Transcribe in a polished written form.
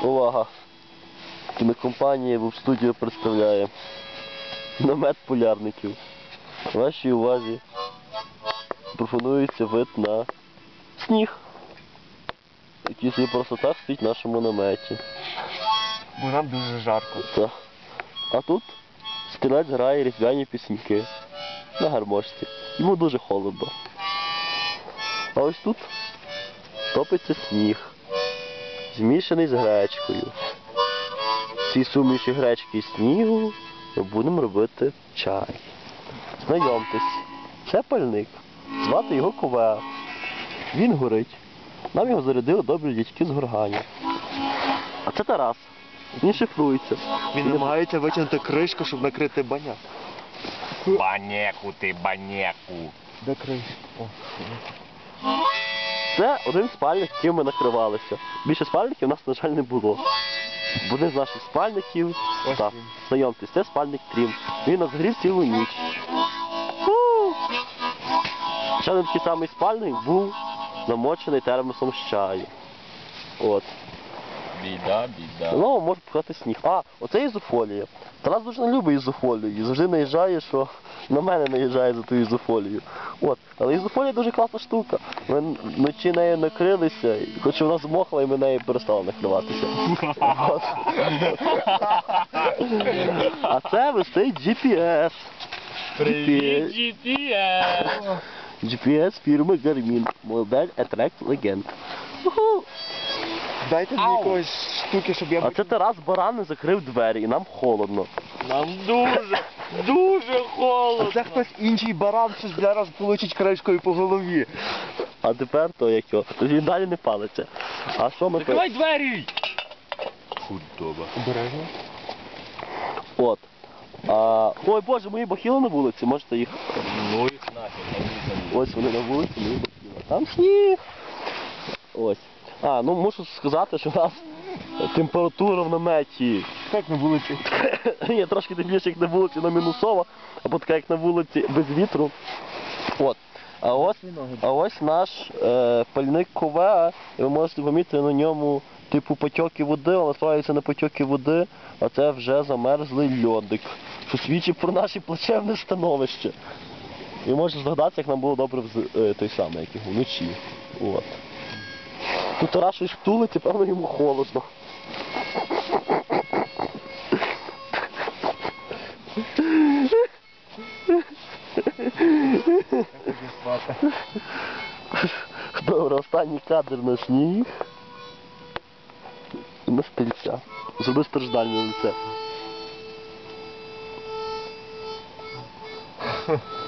Увага! Кінокомпанія в студію представляє намет полярників. Вашій увазі пропонується вид на сніг, який собі просто так стоїть в нашому наметі. Бо нам дуже жарко. Так. А тут стрілець грає різдвяні пісеньки на гармошці. Йому дуже холодно. А ось тут топиться сніг, змішаний з гречкою. В цій суміші гречки і снігу ми будемо робити чай. Знайомтесь, це пальник. Звати його Ковеа. Він горить. Нам його зарядили добрі дядьки з Горгані. А це Тарас. Він шифрується. Він намагається витягнути кришку, щоб накрити баняк. Банеку ти, банеку. Де кришка? О. Це один спальник, яким ми накривалися. Більше спальників у нас, на жаль, не було. Один з наших спальників, Ось так, він. знайомтесь, це спальник Трім. Він нас грів цілу ніч. Ще один такий самий спальник був замочений термосом з чаю. От. Біда, біда. Ну, може пхати сніг. А, оце ізофолія. Тарас дуже не любить ізофолію і завжди наїжджає, що на мене наїжджає за ту ізофолію. От. Але ізофолія дуже класна штука. Ми вночі нею накрилися, хоч вона змохла і ми нею перестали накриватися. От. А це висить GPS. Привіт, GPS! GPS фірми Garmin. Модель Attract Legend. Уху. Дайте мені якоїсь штуки, щоб я... А це Тарас Баран закрив двері і нам холодно. Нам дуже холодно. А це хтось інший баран, що зараз получить кришкою по голові. А тепер то як його. Він далі не палиться. А що ми Закривай двері! Худоба. Обережно. От. Ой Боже, мої бахіли на вулиці, можете їх. Ну їх нафіг. Ось вони на вулиці, мої бахіли. Там сніг. Ось. Ну мушу сказати, що у нас температура в наметі. Як на вулиці? Є трошки тепліше, як на вулиці, на мінусова, або така, як на вулиці без вітру. От. А ось наш пальник Ковеа, і ви можете помітити на ньому типу потьоки води, але насправді це не потьоки води, а це вже замерзлий льодик, що свідчить про наше плачевне становище. І можете здогадатися, як нам було добре той самий, як його, вночі. От. Тут Тарас щось втулить, і певно йому холодно. Добре, останній кадр на сніг. І на стільця. Зроби страждальне лице.